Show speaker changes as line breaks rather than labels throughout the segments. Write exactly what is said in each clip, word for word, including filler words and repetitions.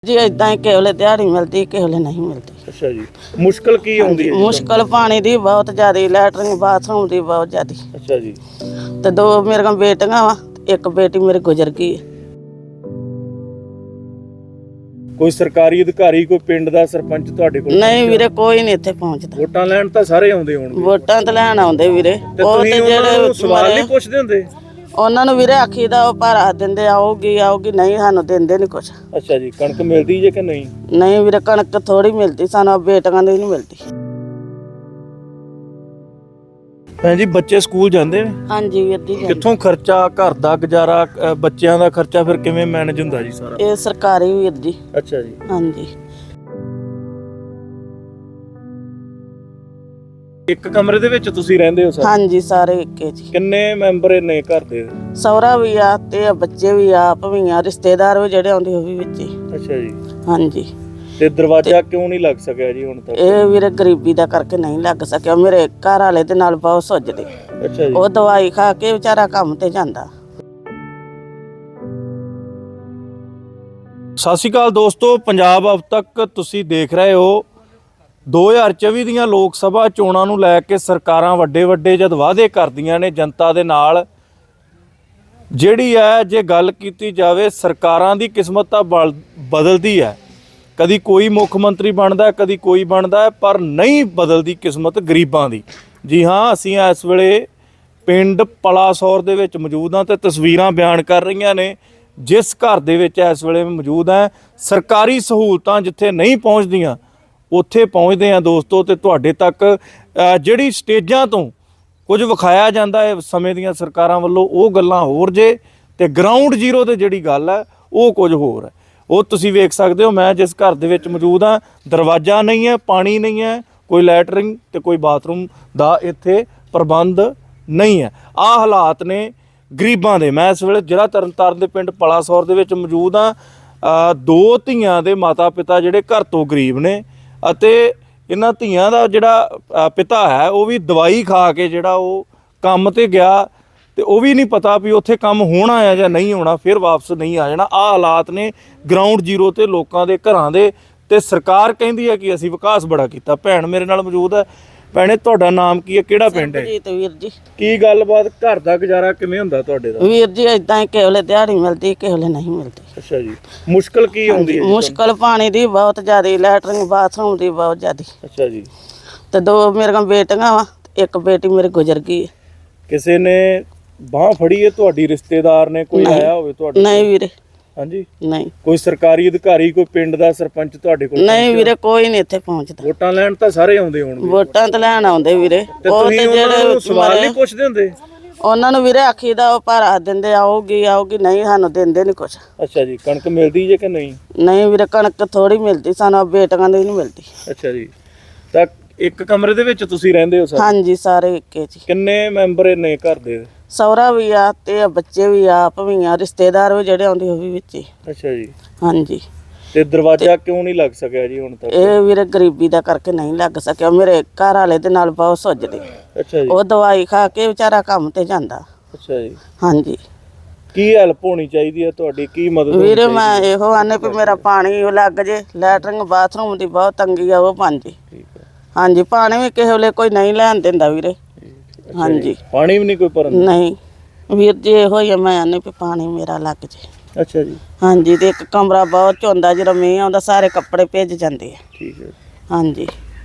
जी इदा ही किसी वे दिहाड़ी मिलती किसी वे नहीं मिलती।
अच्छा जी, मुश्किल की आउंदी है?
मुश्किल पानी दी बहुत ज्यादा, लैटरिन बाथरूम दी बहुत ज्यादा।
अच्छा जी,
ते दो मेरे बेटियां वा, एक बेटी मेरी गुजर गई है।
कोई सरकारी अधिकारी कोई पिंड दा सरपंच तुहाडे कोल?
नहीं वीरे, कोई नहीं इत्थे पहुंचदा।
वोटां लैण तां सारे आउंदे होणगे।
वोटां ते लैण आउंदे वीरे,
ते
ਉਹ
तुसीं
ਤੇ
ਉਹਨਾਂ ਨੂੰ
ਜਿਹੜੇ
ਸਵਾਲ ਨਹੀਂ ਪੁੱਛਦੇ ਹੁੰਦੇ?
ਉਹਨਾਂ ਨੂੰ ਵੀਰੇ ਆਖੀਦਾ ਉਹ ਭਾਰਾ ਦਿੰਦੇ, ਆਊਗੀ ਆਊਗੀ, ਨਹੀਂ ਸਾਨੂੰ ਦਿੰਦੇ ਨਹੀਂ ਕੁਛ।
ਅੱਛਾ ਜੀ, ਕਣਕ ਮਿਲਦੀ ਜੇ ਕਿ ਨਹੀਂ?
ਨਹੀਂ ਵੀਰੇ, ਕਣਕ ਥੋੜੀ ਮਿਲਦੀ ਸਾਨੂੰ, ਬੇਟੀਆਂ ਦੀ ਨਹੀਂ ਮਿਲਦੀ।
ਭੈਣ ਜੀ, ਬੱਚੇ ਸਕੂਲ ਜਾਂਦੇ ਨੇ?
ਹਾਂਜੀ ਵੀਰ ਜੀ।
ਕਿੱਥੋਂ ਖਰਚਾ, ਘਰ ਦਾ ਗੁਜ਼ਾਰਾ, ਅ, ਬੱਚਿਆਂ ਦਾ ਖਰਚਾ ਫਿਰ ਕਿਵੇਂ ਮੈਨੇਜ ਹੁੰਦਾ ਜੀ ਸਾਰਾ?
ਇਹ ਸਰਕਾਰੀ ਵੀਰ ਜੀ।
ਅੱਛਾ ਜੀ,
ਹਾਂਜੀ।
ਇੱਕ ਕਮਰੇ ਦੇ ਵਿੱਚ ਤੁਸੀਂ ਰਹਿੰਦੇ ਹੋ ਸਰ?
ਹਾਂਜੀ ਸਾਰੇ ਇੱਕੇ ਜੀ।
ਕਿੰਨੇ ਮੈਂਬਰ ਨੇ ਘਰ ਦੇ?
ਸਹੁਰਾ ਵੀ ਆ ਤੇ ਬੱਚੇ ਵੀ ਆ, ਆਪ ਵੀ ਆ, ਰਿਸ਼ਤੇਦਾਰ ਵੀ ਜਿਹੜੇ ਆਉਂਦੇ ਉਹ ਵੀ ਵਿੱਚ ਹੀ।
ਅੱਛਾ ਜੀ,
ਹਾਂਜੀ।
ਤੇ ਦਰਵਾਜ਼ਾ ਕਿਉਂ ਨਹੀਂ ਲੱਗ ਸਕਿਆ ਜੀ ਹੁਣ ਤੱਕ?
ਇਹ ਵੀਰੇ ਗਰੀਬੀ ਦਾ ਕਰਕੇ ਨਹੀਂ ਲੱਗ ਸਕਿਆ। ਮੇਰੇ ਘਰ ਵਾਲੇ ਦੇ ਨਾਲ ਬਹੁਤ ਸੁੱਜਦੇ,
ਅੱਛਾ ਜੀ,
ਉਹ ਦਵਾਈ ਖਾ ਕੇ ਵਿਚਾਰਾ ਕੰਮ ਤੇ ਜਾਂਦਾ।
ਸਤਿ ਸ਼੍ਰੀ ਅਕਾਲ ਦੋਸਤੋ, ਪੰਜਾਬ ਅਬ ਤੱਕ ਤੁਸੀਂ ਦੇਖ ਰਹੇ ਹੋ। ਦੋ ਹਜ਼ਾਰ ਚੌਵੀ ਦੀਆਂ ਲੋਕ ਸਭਾ ਚੋਣਾਂ ਨੂੰ ਲੈ ਕੇ ਸਰਕਾਰਾਂ ਵੱਡੇ ਵੱਡੇ ਜਦ ਵਾਅਦੇ ਕਰਦੀਆਂ ਨੇ ਜਨਤਾ ਦੇ ਨਾਲ, ਜਿਹੜੀ ਹੈ ਜੇ ਗੱਲ ਕੀਤੀ ਜਾਵੇ, ਸਰਕਾਰਾਂ ਦੀ ਕਿਸਮਤ ਤਾਂ ਬਲ- ਬਦਲਦੀ ਹੈ। ਕਦੀ ਕੋਈ ਮੁੱਖ ਮੰਤਰੀ ਬਣਦਾ, ਕਦੀ ਕੋਈ ਬਣਦਾ, ਪਰ ਨਹੀਂ ਬਦਲਦੀ ਕਿਸਮਤ ਗਰੀਬਾਂ ਦੀ। ਜੀ ਹਾਂ, ਅਸੀਂ ਇਸ ਵੇਲੇ ਪਿੰਡ ਪਲਾਸੌਰ ਦੇ ਵਿੱਚ ਮੌਜੂਦ ਹਾਂ ਤੇ ਤਸਵੀਰਾਂ ਬਿਆਨ ਕਰ ਰਹੀਆਂ ਨੇ ਜਿਸ ਘਰ ਦੇ ਵਿੱਚ ਇਸ ਵੇਲੇ ਮੌਜੂਦ ਹੈ। ਸਰਕਾਰੀ ਸਹੂਲਤਾਂ ਜਿੱਥੇ ਨਹੀਂ ਪਹੁੰਚਦੀਆਂ ਉੱਥੇ ਪਹੁੰਚਦੇ ਆ ਦੋਸਤੋ, ਤੇ ਤੁਹਾਡੇ ਤੱਕ ਜਿਹੜੀ ਸਟੇਜਾਂ ਤੋਂ ਕੁਝ ਵਿਖਾਇਆ ਜਾਂਦਾ ਹੈ ਸਮੇਂ ਦੀਆਂ ਸਰਕਾਰਾਂ ਵੱਲੋਂ, ਉਹ ਗੱਲਾਂ ਹੋਰ ਜੇ, ਤੇ ਗਰਾਊਂਡ ਜ਼ੀਰੋ ਤੇ ਜਿਹੜੀ ਗੱਲ ਹੈ ਉਹ ਕੁਝ ਹੋਰ ਹੈ। ਉਹ ਤੁਸੀਂ ਵੇਖ ਸਕਦੇ ਹੋ। ਮੈਂ ਜਿਸ ਘਰ ਦੇ ਵਿੱਚ ਮੌਜੂਦ ਹਾਂ, ਦਰਵਾਜ਼ਾ ਨਹੀਂ ਹੈ, ਪਾਣੀ ਨਹੀਂ ਹੈ, ਕੋਈ ਲੈਟਰਿੰਗ ਤੇ ਕੋਈ ਬਾਥਰੂਮ ਦਾ ਇੱਥੇ ਪ੍ਰਬੰਧ ਨਹੀਂ ਹੈ। ਆਹ ਹਾਲਾਤ ਨੇ ਗਰੀਬਾਂ ਦੇ। ਮੈਂ ਇਸ ਵੇਲੇ ਜ਼ਿਲ੍ਹਾ ਤਰਨਤਾਰਨ ਦੇ ਪਿੰਡ ਪਲਾਸੌਰ ਦੇ ਵਿੱਚ ਮੌਜੂਦ ਹਾਂ। ਦੋ ਧੀਆਂ ਦੇ ਮਾਤਾ ਪਿਤਾ ਜਿਹੜੇ ਘਰ ਤੋਂ ਗਰੀਬ ਨੇ, ਅਤੇ ਇਹਨਾਂ ਧੀਆਂ ਦਾ ਜਿਹੜਾ ਪਿਤਾ ਹੈ ਉਹ ਵੀ ਦਵਾਈ ਖਾ ਕੇ ਜਿਹੜਾ ਉਹ ਕੰਮ ਤੇ ਗਿਆ, ਤੇ ਉਹ ਵੀ ਨਹੀਂ ਪਤਾ ਵੀ ਉੱਥੇ ਕੰਮ ਹੋਣਾ ਹੈ ਜਾਂ ਨਹੀਂ ਹੋਣਾ, ਫਿਰ ਵਾਪਸ ਨਹੀਂ ਆ ਜਾਣਾ। ਆਹ ਹਾਲਾਤ ਨੇ ਗਰਾਊਂਡ ਜ਼ੀਰੋ ਤੇ ਲੋਕਾਂ ਦੇ ਘਰਾਂ ਦੇ। ਤੇ ਸਰਕਾਰ ਕਹਿੰਦੀ ਹੈ ਕਿ ਅਸੀਂ ਵਿਕਾਸ ਬੜਾ ਕੀਤਾ। ਭੈਣ ਮੇਰੇ ਨਾਲ ਮੌਜੂਦ ਹੈ। ਭੈਣੇ, ਤੁਹਾਡਾ ਨਾਮ ਕੀ ਹੈ, ਕਿਹੜਾ ਪਿੰਡ ਹੈ?
ਸਰਬਜੀਤ ਵੀਰ ਜੀ।
ਕੀ ਗੱਲਬਾਤ, ਘਰ ਦਾ ਗੁਜ਼ਾਰਾ ਕਿਵੇਂ ਹੁੰਦਾ ਤੁਹਾਡੇ ਦਾ?
ਵੀਰ ਜੀ ਇਦਾਂ ਹੀ ਕਿਸੇ ਵੇ ਦਿਹਾੜੀ ਮਿਲਦੀ ਕਿਸੇ ਵੇ ਨਹੀਂ ਮਿਲਦੀ।
ਅੱਛਾ ਜੀ, ਮੁਸ਼ਕਿਲ ਕੀ ਆਉਂਦੀ ਹੈ?
ਮੁਸ਼ਕਿਲ ਪਾਣੀ ਦੀ ਬਹੁਤ ਜ਼ਿਆਦਾ, ਲੈਟਰਿਨ ਬਾਥਰੂਮ ਦੀ ਬਹੁਤ ਜ਼ਿਆਦਾ।
ਅੱਛਾ ਜੀ,
ਤੇ ਦੋ ਮੇਰੀਆਂ ਬੇਟੀਆਂ ਵਾ, ਇੱਕ ਬੇਟੀ ਮੇਰੀ ਗੁਜ਼ਰ ਗਈ ਹੈ।
ਕਿਸੇ ਨੇ ਬਾਹ ਫੜੀ ਹੈ ਤੁਹਾਡੀ, ਰਿਸ਼ਤੇਦਾਰ ਨੇ ਕੋਈ ਆਇਆ ਹੋਵੇ ਤੁਹਾਡੇ?
ਨਹੀਂ ਵੀਰੇ।
ਹਾਂਜੀ,
ਨਹੀਂ।
ਕੋਈ ਸਰਕਾਰੀ ਅਧਿਕਾਰੀ ਕੋਈ ਪਿੰਡ ਦਾ ਸਰਪੰਚ ਤੁਹਾਡੇ ਕੋਲ?
ਨਹੀਂ ਵੀਰੇ, ਕੋਈ ਨਹੀਂ ਇੱਥੇ ਪਹੁੰਚਦਾ।
ਵੋਟਾਂ ਲੈਣ ਤਾਂ ਸਾਰੇ ਆਉਂਦੇ ਹੋਣਗੇ।
ਵੋਟਾਂ ਤੇ ਲੈਣ ਆਉਂਦੇ ਵੀਰੇ,
ਤੇ
ਉਹ
ਤੁਸੀਂ
ਤੇ
ਉਹਨਾਂ ਨੂੰ
ਜਿਹੜੇ
ਸਵਾਲ ਨਹੀਂ ਪੁੱਛਦੇ ਹੁੰਦੇ?
ਉਹਨਾਂ ਨੂੰ ਵੀਰੇ ਆਖੀਦਾ ਉਹ ਭਾਰਾ ਦਿੰਦੇ, ਆਊਗੀ ਆਊਗੀ, ਨਹੀਂ ਸਾਨੂੰ ਦਿੰਦੇ ਨਹੀਂ ਕੁਛ।
ਅੱਛਾ ਜੀ, ਕਣਕ ਮਿਲਦੀ ਜੇ ਕਿ ਨਹੀਂ?
ਨਹੀਂ ਵੀਰੇ, ਕਣਕ ਥੋੜੀ ਮਿਲਦੀ ਸਾਨੂੰ, ਬੇਟੀਆਂ ਦੀ ਨਹੀਂ ਮਿਲਦੀ।
ਅੱਛਾ ਜੀ, ਤਾਂ ਇੱਕ ਕਮਰੇ ਦੇ ਵਿੱਚ ਤੁਸੀਂ ਰਹਿੰਦੇ ਹੋ ਸਰ?
ਹਾਂਜੀ ਸਾਰੇ ਇੱਕੇ ਜੀ।
ਕਿੰਨੇ ਮੈਂਬਰ ਨੇ ਘਰ ਦੇ?
ਸਹੁਰਾ ਵੀ ਆ ਤੇ ਬੱਚੇ ਵੀ ਆ, ਆਪ ਵੀ ਆ, ਰਿਸ਼ਤੇਦਾਰ ਵੀ ਜਿਹੜੇ ਆਉਂਦੇ ਉਹ ਵੀ ਵਿੱਚ ਹੀ।
ਅੱਛਾ ਜੀ,
ਹਾਂਜੀ।
ਤੇ ਦਰਵਾਜ਼ਾ ਕਿਉਂ ਨਹੀਂ ਲੱਗ ਸਕਿਆ ਜੀ ਹੁਣ ਤੱਕ?
ਇਹ ਵੀਰੇ ਗਰੀਬੀ ਦਾ ਕਰਕੇ ਨਹੀਂ ਲੱਗ ਸਕਿਆ। ਮੇਰੇ ਘਰ ਵਾਲੇ ਦੇ ਨਾਲ ਬਹੁਤ ਸੁੱਜਦੇ,
ਅੱਛਾ ਜੀ,
ਉਹ ਦਵਾਈ ਖਾ ਕੇ ਵਿਚਾਰਾ ਕੰਮ ਤੇ ਜਾਂਦਾ।
ਅੱਛਾ ਜੀ,
ਹਾਂਜੀ।
ਕੀ ਹੈਲਪ ਹੋਣੀ ਚਾਹੀਦੀ ਹੈ ਤੁਹਾਡੀ, ਕੀ ਮਦਦ ਹੋਣੀ
ਵੀਰੇ
ਚਾਹੀਦੀ?
ਮੈਂ ਇਹੋ ਆਨੇ ਵੀ ਮੇਰਾ ਪਾਣੀ ਉਹ ਲੱਗ ਜੇ, ਲੈਟਰਿੰਗ ਬਾਥਰੂਮ ਦੀ ਬਹੁਤ ਤੰਗੀ ਆ, ਉਹ ਬਣ ਜੇ।
ਠੀਕ ਹੈ,
ਹਾਂਜੀ। ਪਾਣੀ ਵੀ ਕਿਸੇ ਵੇਲੇ ਕੋਈ ਨਹੀਂ ਲੈਣ ਦਿੰਦਾ ਵੀਰੇ। ਹਾਂਜੀ।
ਪਾਣੀ ਵੀ ਨਹੀਂ ਕੋਈ ਭਰਨ?
ਨਹੀਂ ਵੀਰ ਜੀ, ਇਹੋ ਹੀ ਆ, ਮੈਂ ਆਨੇ ਵੀ ਪਾਣੀ ਮੇਰਾ ਲੱਗ ਜੇ।
ਅੱਛਾ ਜੀ,
ਹਾਂਜੀ। ਤੇ ਇੱਕ ਕਮਰਾ ਬਹੁਤ ਝੁੰਦਾ, ਜਦੋਂ ਮੀਂਹ ਆਉਂਦਾ ਸਾਰੇ ਕੱਪੜੇ ਭਿੱਜ ਜਾਂਦੇ ਆ।
ਠੀਕ ਹੈ।
ਹਾਂਜੀ।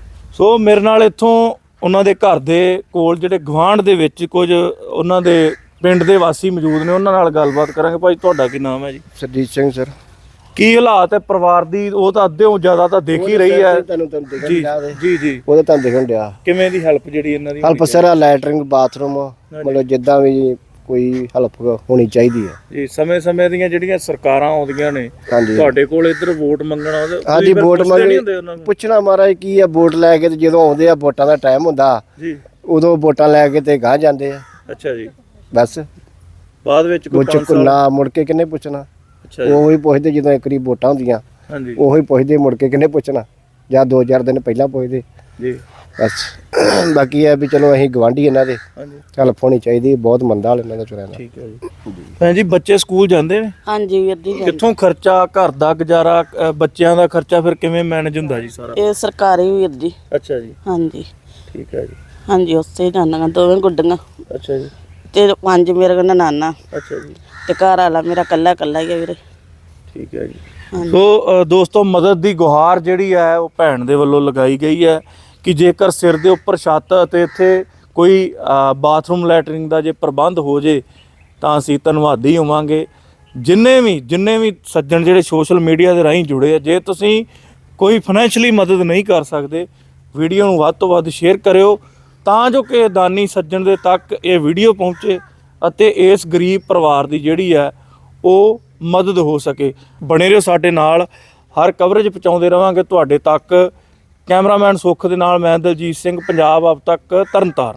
ਸੋ ਮੇਰੇ ਨਾਲ ਇੱਥੋਂ ਉਹਨਾਂ ਦੇ ਘਰ ਦੇ ਕੋਲ ਜਿਹੜੇ ਗੁਆਂਢ ਦੇ ਵਿੱਚ ਕੁਝ ਉਹਨਾਂ ਦੇ ਪਿੰਡ ਦੇ ਵਾਸੀ ਮੌਜੂਦ ਨੇ, ਉਹਨਾਂ ਨਾਲ ਗੱਲਬਾਤ ਕਰਾਂਗੇ। ਭਾਈ, ਤੁਹਾਡਾ ਕੀ ਨਾਮ ਹੈ ਜੀ?
ਸਰਜੀਤ ਸਿੰਘ ਸਰ।
ਕੀ ਹਾਲਾਤ ਹੈ ਪਰਿਵਾਰ ਦੀ? ਉਹ ਤਾਂ ਅੱਧਿਓਂ ਜ਼ਿਆਦਾ ਤਾਂ ਦੇਖ ਹੀ ਰਹੀ ਹੈ।
ਤੁਹਾਨੂੰ ਤੁਹਾਨੂੰ ਦਿਖਣ
ਜੀ
ਡਿਆ ਵੇ।
ਜੀ ਜੀ,
ਉਹਦਾ ਤੁਹਾਨੂੰ ਦਿਖਣ ਡਿਆ।
ਕਿਵੇਂ ਦੀ ਹੈਲਪ ਜਿਹੜੀ ਇਹਨਾਂ ਦੀ
ਹੈਲਪ ਸਰ, ਲੈਟਰਿੰਗ ਬਾਥਰੂਮ, ਮਤਲਬ ਜਿੱਦਾਂ ਵੀ ਕੋਈ ਹੈਲਪ ਹੋਣੀ ਚਾਹੀਦੀ ਹੈ
ਜੀ? ਸਮੇਂ ਸਮੇਂ ਦੀਆਂ ਜਿਹੜੀਆਂ ਸਰਕਾਰਾਂ ਆਉਂਦੀਆਂ ਨੇ
ਹਾਂਜੀ।
ਤੁਹਾਡੇ ਕੋਲ ਇੱਧਰ ਵੋਟ ਮੰਗਣਾ, ਉਹਦੇ
ਹਾਂਜੀ, ਵੋਟ ਮੰਗਣੀ
ਮੰਗ
ਪੁੱਛਣਾ ਮਹਾਰਾਜ ਕੀ ਆ, ਵੋਟ ਲੈ ਕੇ ਤੇ ਜਦੋਂ ਆਉਂਦੇ ਆ, ਵੋਟਾਂ ਦਾ ਟਾਈਮ ਹੁੰਦਾ
ਜੀ,
ਉਦੋਂ ਵੋਟਾਂ ਲੈ ਕੇ ਤੇ ਗਾਹ ਜਾਂਦੇ ਆ।
ਅੱਛਾ ਜੀ,
ਬਸ
ਬਾਅਦ ਵਿੱਚ ਕੋਈ
ਪੁੱਛ ਨਾ ਮੁੜ ਕੇ ਕਿੰਨੇ ਪੁੱਛਣਾ।
ਅੱਛਾ ਜੀ,
ਉਹੀ ਪੁੱਛਦੇ ਜਦੋਂ ਇੱਕ ਵਾਰੀ ਵੋਟਾਂ ਹੁੰਦੀਆਂ,
ਹਾਂਜੀ
ਉਹੀ ਪੁੱਛਦੇ, ਮੁੜ ਕੇ ਕਿੰਨੇ ਪੁੱਛਣਾ, ਜਾਂ ਦੋ ਚਾਰ ਦਿਨ ਪਹਿਲਾਂ ਪੁੱਛਦੇ।
ਜੀ,
ਬਸ ਬਾਕੀ ਇਹ ਵੀ ਚਲੋ ਅਸੀਂ ਗਵਾਂਢੀ ਇਹਨਾਂ ਦੇ
ਹਾਂਜੀ
ਹੈਲਪ ਹੋਣੀ ਚਾਹੀਦੀ, ਬਹੁਤ ਮੰਦਾ ਹਾਲ ਇਹਨਾਂ ਦਾ ਚੁਰਿਆਂ ਦਾ।
ਠੀਕ ਹੈ ਜੀ। ਭੈਣ ਜੀ ਬੱਚੇ ਸਕੂਲ ਜਾਂਦੇ ਨੇ?
ਹਾਂਜੀ ਵੀਰ ਜੀ ਜਾਂਦੇ।
ਕਿੱਥੋਂ ਖਰਚਾ, ਘਰ ਦਾ ਗੁਜ਼ਾਰਾ, ਅ, ਬੱਚਿਆਂ ਦਾ ਖਰਚਾ ਫਿਰ ਕਿਵੇਂ ਮੈਨੇਜ ਹੁੰਦਾ ਜੀ ਸਾਰਾ?
ਇਹ ਸਰਕਾਰੀ ਵੀਰ ਜੀ।
ਅੱਛਾ ਜੀ
ਹਾਂਜੀ
ਠੀਕ ਹੈ ਜੀ।
ਹਾਂਜੀ ਉੱਥੇ ਜਾਂਦੀਆਂ ਦੋਵੇਂ ਗੁੱਡੀਆਂ
ਅੱਛਾ ਜੀ
ਤੇ ਪੰਜ ਮੇਰੇ ਕੋਲ ਨਾਨਾ
ਅੱਛਾ ਜੀ
ਤੇ ਘਰ ਵਾਲਾ ਮੇਰਾ ਕੱਲਾ ਕੱਲਾ ਹੀ ਆ ਵੀਰੇ।
ਠੀਕ ਹੈ ਜੀ। ਸੋ ਅ, ਦੋਸਤੋ ਮਦਦ ਦੀ ਗੁਹਾਰ ਜਿਹੜੀ ਹੈ ਉਹ ਭੈਣ ਦੇ ਵੱਲੋਂ ਲਗਾਈ ਗਈ ਹੈ ਕਿ ਜੇਕਰ ਸਿਰ ਦੇ ਉੱਪਰ ਛੱਤ ਅਤੇ ਇੱਥੇ ਕੋਈ ਅ, ਬਾਥਰੂਮ ਲੈਟਰਿੰਗ ਦਾ ਜੇ ਪ੍ਰਬੰਧ ਹੋ ਜੇ ਤਾਂ ਅਸੀਂ ਧੰਨਵਾਦੀ ਹੋਵਾਂਗੇ। ਜਿੰਨੇ ਵੀ ਜਿੰਨੇ ਵੀ ਸੱਜਣ ਜਿਹੜੇ ਸੋਸ਼ਲ ਮੀਡੀਆ ਦੇ ਰਾਹੀਂ ਜੁੜੇ ਆ, ਜੇ ਤੁਸੀਂ ਕੋਈ ਫਾਈਨੈਂਸ਼ਲੀ ਮਦਦ ਨਹੀਂ ਕਰ ਸਕਦੇ, ਵੀਡੀਓ ਨੂੰ ਵੱਧ ਤੋਂ ਵੱਧ ਸ਼ੇਅਰ ਕਰਿਓ ਤਾਂ ਜੋ ਕਿ ਦਾਨੀ ਸੱਜਣ ਦੇ ਤੱਕ ਇਹ ਵੀਡੀਓ ਪਹੁੰਚੇ ਅਤੇ ਇਸ ਗਰੀਬ ਪਰਿਵਾਰ ਦੀ ਜਿਹੜੀ ਹੈ ਉਹ ਮਦਦ ਹੋ ਸਕੇ। ਬਣੇ ਰਹੋ ਸਾਡੇ ਨਾਲ, ਹਰ ਕਵਰੇਜ ਪਹੁੰਚਾਉਂਦੇ ਰਵਾਂਗੇ ਤੁਹਾਡੇ ਤੱਕ। ਕੈਮਰਾਮੈਨ ਸੁੱਖ ਦੇ ਨਾਲ ਮੈਂ ਦਲਜੀਤ ਸਿੰਘ, ਪੰਜਾਬ ਆਪ ਤੱਕ, ਤਰਨਤਾਰਨ।